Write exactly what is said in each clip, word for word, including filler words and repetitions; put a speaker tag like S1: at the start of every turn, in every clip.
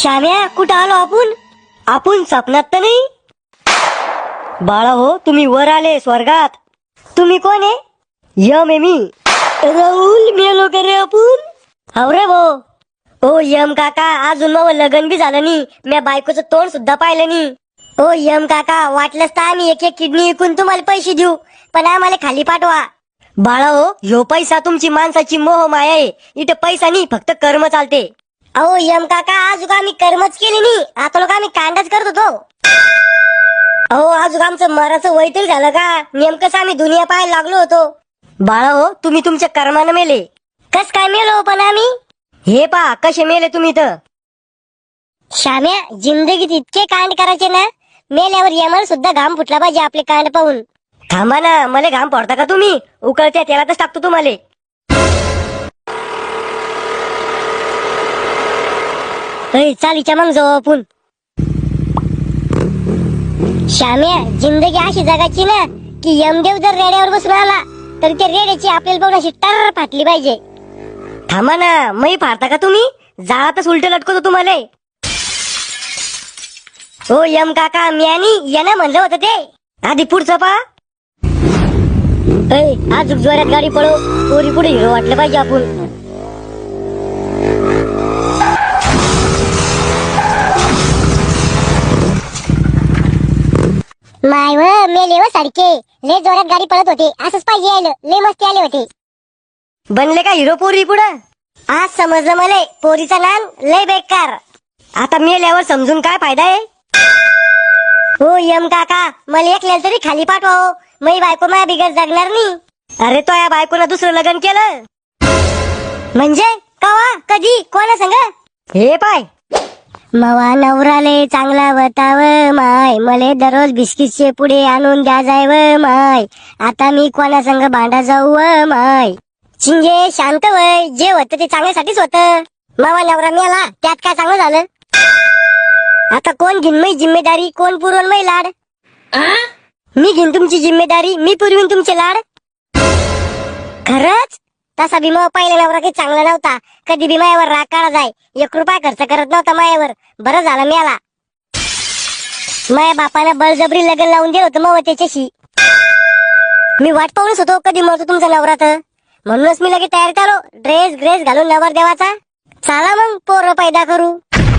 S1: श्याम्या, कुठं आलो आपण? आपण स्वप्नात तर नाही? बाळा हो, तुम्ही वर आले स्वर्गात. तुम्ही कोण आहे? यम आहे मी. राहुल, मेलो का रे आपण? हो रे भो. ओ यम काका, अजून मग लग्न बी झालं नाही, म्या बायकोचं तोंड सुद्धा पाहिलं नाही. ओ यम काका, वाटलंच तर आम्ही एक एक किडनी विकून तुम्हाला पैसे देऊ, पण आम्हाला खाली पाठवा. बाळा हो, ह्यो पैसा तुमची माणसाची मोह माया आहे. इथं पैसा नाही, फक्त कर्म चालते. अहो यम काका, आज आम्ही कर्मच केली नाही, आता लोक आम्ही कांडाच करत होतो. अहो आज आमचं मराचं वय तरी झालं का? नेमकंच आम्ही दुनिया पाहायला लागलो होतो. बाळा हो, तुम्ही तुमच्या कर्मानं मेले. कस काय मेलो पण आम्ही? हे पा कसे मेले तुम्ही तर. श्याम्या, जिंदगीत इतके कांड करायचे ना, मेल्यावर यमाला सुद्धा घाम फुटला पाहिजे आपले कांड पाहून. थांबा ना, मला घाम पडता का तुम्ही? उकळत्या तेलातच टाकतो तुम्हाला. चालीच्या मग जाऊ आपण. श्याम्या, जिंदगी अशी जगाची ना की यमदेव जर रेड्यावर बसून आला तर त्या रेड्याची आपल्याला बघून अशी टर फाटली पाहिजे. थांबा ना, मै फाडता का तुम्ही? जाळातच उलट लटकवतो तुम्हाला. हो यम काका, मी आणि यानं म्हणलं होतं ते. आधी पुढचं पा. आज जोरात गाडी पळव, पोरी पुढे हिरो वाटलं पाहिजे आपण. माय व मेले व सारखे लय जोरात गाडी पळत होते. असंच पाहिजे यायला, लय मस्ती आले होते. बनले का हिरो पोरी पुढं? आज समजलं मला, पोरीचा नान लय बेकार. आता मेल्यावर समजून काय फायदा आहे? हो यम काका, मला एकल्याला तरी खाली पाठवा. मै बायको माझ्या बिगर जगणार नाही. अरे तो या बायकोनं दुसरं लग्न केलं म्हणजे? कवा, कधी, कोणा संग? हे पाय, मवा नवराले चांगला वताव माय, मले दररोज बिस्किटचे पुढे आणून द्या जाय व माय. आता मी कोणा संग भांडा जाऊ व माय. चिंगे शांत वय, जे होतं ते चांगल्यासाठीच होतं. मवा नवरा मेला, त्यात काय चांगलं झालं? आता कोण घेईन मै जिम्मेदारी, कोण पुरवण मै लाड? मी घेईन तुमची जिम्मेदारी, मी पुरवीन तुमचे लाड. खरंच? तसा भीमा पहिला नवरा काही चांगला नव्हता. कधी बी मायावर राग काढा जाय, एक रुपया खर्च करत नव्हता मायावर. बरं झालं मेला. माया बापानं बळजबरी लग्न लावून दिलं होतं मग त्याच्याशी. मी वाट पाहूनच होतो कधी मरतो तुमचा नवरा तर. म्हणूनच मी लगेच तयार झालो, ड्रेस ग्रेस घालून नवर देवाचा. चला मग पोरं पैदा करू.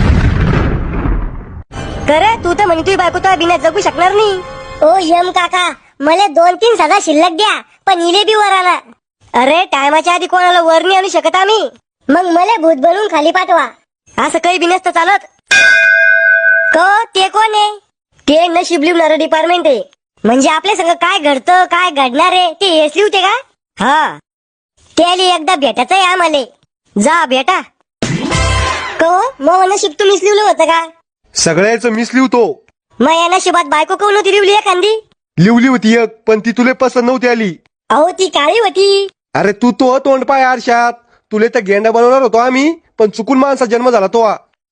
S1: करे तू तर म्हणे तुझी बायको तर बिना जगू शकणार नाही. ओ यम काका, मला दोन तीन सदा शिल्लक द्या, पण इले बी वर आला. अरे टायमाच्या आधी कोणाला वर नाही आणू शकत आम्ही. मग मला भूत बनवून खाली पाठवा. असं काही बी नसतं चालत. क ते कोण आहे? ते नशीब लिहणारं डिपार्टमेंट आहे. म्हणजे आपल्या संग काय घडतं काय घडणार आहे ते हेच लिहते का? हा, त्याला एकदा भेटायचं आहे आम्हाला. जा भेटा. क मग नशीब तुम्हीच लिहिलं होतं का?
S2: सगळ्याच मीच लिहतो.
S1: मग या नशिबात बायको कोण होती लिवली एखादी?
S2: लिवली होती एक, पण ती तुले पसंत नव्हती आली.
S1: अहो ती काळी होती.
S2: अरे तू तो तोंड पाय आरशात. तुले तर गेंडा बनवणार होतो आम्ही, पण चुकून माणसा जन्म झाला तो.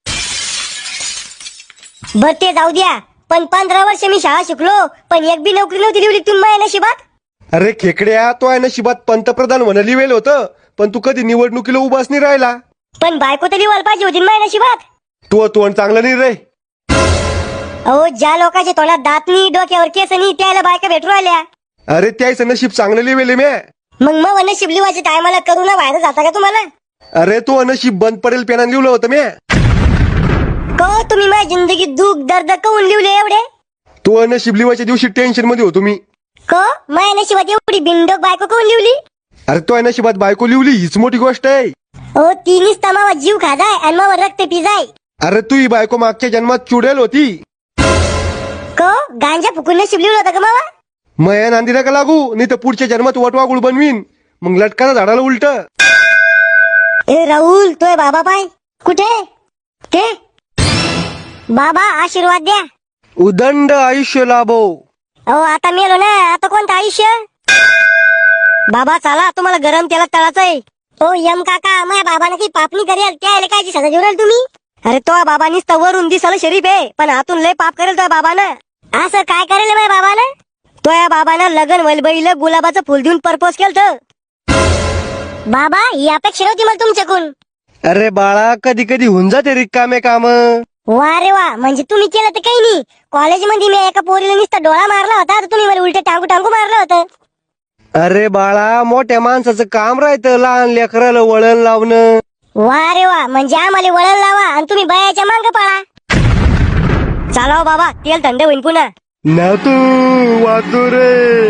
S1: बर ते जाऊ द्या, पण पंधरा वर्ष मी शाळा शिकलो, पण एक बी नोकरी नव्हती लिवली तुम्ही माझ्या नशिबात.
S2: अरे खेकड्या, तो आहे नशिबात पंतप्रधान म्हणा लिवेल होतं, पण तू कधी निवडणुकीला उभाच नाही राहिला.
S1: पण बायको तर लिवायला पाहिजे होती माझ्या नशिबात.
S2: तू तोंड चांगलं नाही रे.
S1: अहो ज्या लोकांच्या तोंडात दात नाही, डोक्यावर केस नाही, त्याला बायका भेटू राहिल्या.
S2: अरे त्याचं नशीब चांगलं लिवेले म्या.
S1: मग मग नशीब लिवायच्या टायमाला करू ना बाहेर जाता का तुम्हाला?
S2: अरे तो नशीब बंद पडेल पेनान लिवलं होतं म्या.
S1: को तुम्ही माझ्या जिंदगीत दुःख दर्द कवून लिवले एवढे?
S2: तो नशीब लिवायच्या दिवशी टेन्शन मध्ये होतो मी.
S1: को माझ्या नशिबात एवढी बिंडोक बायको कवून लिवली?
S2: अरे तो नशिबात बायको लिवली हीच मोठी गोष्ट आहे.
S1: हो तिनीच तमावा जीव खाजाय आणि मग रक्त पिजाय.
S2: अरे तू ही बायको मागच्या जन्मात चुडेल होती.
S1: को गांजा फुकून नशीब लिवलं होतं का मावा?
S2: मया नांदी नका लागू, नाही तर पुढच्या जन्मात वटवागुळ बनवीन, मग लटकाना झाडाला उलट.
S1: ए राहुल, तोय बाबा पाय कुठे? ते बाबा आशीर्वाद द्या.
S2: उदंड आयुष्य लाभो.
S1: अहो आता मेलो ना, आता कोणतं आयुष्य? बाबा चला, तुम्हाला गरम तेलात तळाचं आहे. ओ यम काका, माझ्या बाबाने काही पापणी करेल, त्याला काय सजा देऊ तुम्ही? अरे तो बाबा नुसतं वरून दिसायला शरीफ आहे, पण आतून लय पाप करेल तो बाबानं. असं काय करेल माझ्या बाबानं? तो या बाबानं लगन वलबईला गुलाबाचं फुल देऊन प्रपोज केलं. बाबा ही अपेक्षा नव्हती मला तुमच्याकडून.
S2: अरे बाळा कधी कधी होऊन जाते रिकामे काम.
S1: वा रे वा, म्हणजे तुम्ही केलं तर काही नाही. कॉलेजमध्ये मी एका पोरीला नुसता डोळा मारला होता, तर तुम्ही मला उलट टांगू टांगू मारलं होतं.
S2: अरे बाळा मोठ्या माणसाचं काम राहतं लहान लेकराला वळण लावणं.
S1: वा रे वा, म्हणजे आम्हाला वळण लावा आणि तुम्ही बयाच्या मांग पळा. चला हो बाबा, तेल थंड होईन पुन्हा.
S2: ना तू वाचू रे.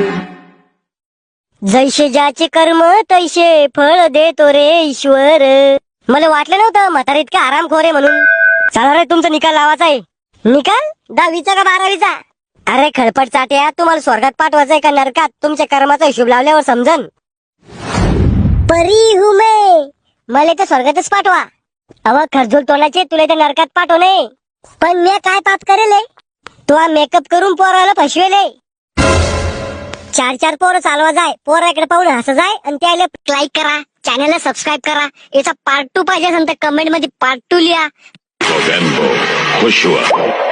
S1: जैसे ज्याचे कर्म तैसे फळ देतो रे ईश्वर. मला वाटलं नव्हतं म्हातारा इतका आरामखोर आहे म्हणून. चला रे, तुमचा निकाल लावायचा आहे. निकाल दहावीचा का बारावीचा? अरे खळपट चाट्या, तुम्हाला स्वर्गात पाठवायचंय का नरकात? तुमच्या कर्माचा हिशोब लावल्यावर समजन. परी हूं मैं, मला तर स्वर्गातच पाठवा. अव खरजूल तोंडाचे, तुला तर नरकात पाठवणे. पण मी काय पाप करेल? तू हा मेकअप करून पोराला फसवेले. चार चार पोरं चालवा जाय, पोराकडे पाहून हस जाय आणि त्याला लाईक करा, चॅनलला सबस्क्राईब करा. याचा पार्ट टू पाहिजे असेल तर कमेंट मध्ये पार्ट टू लिहा.
S3: Movember, Joshua.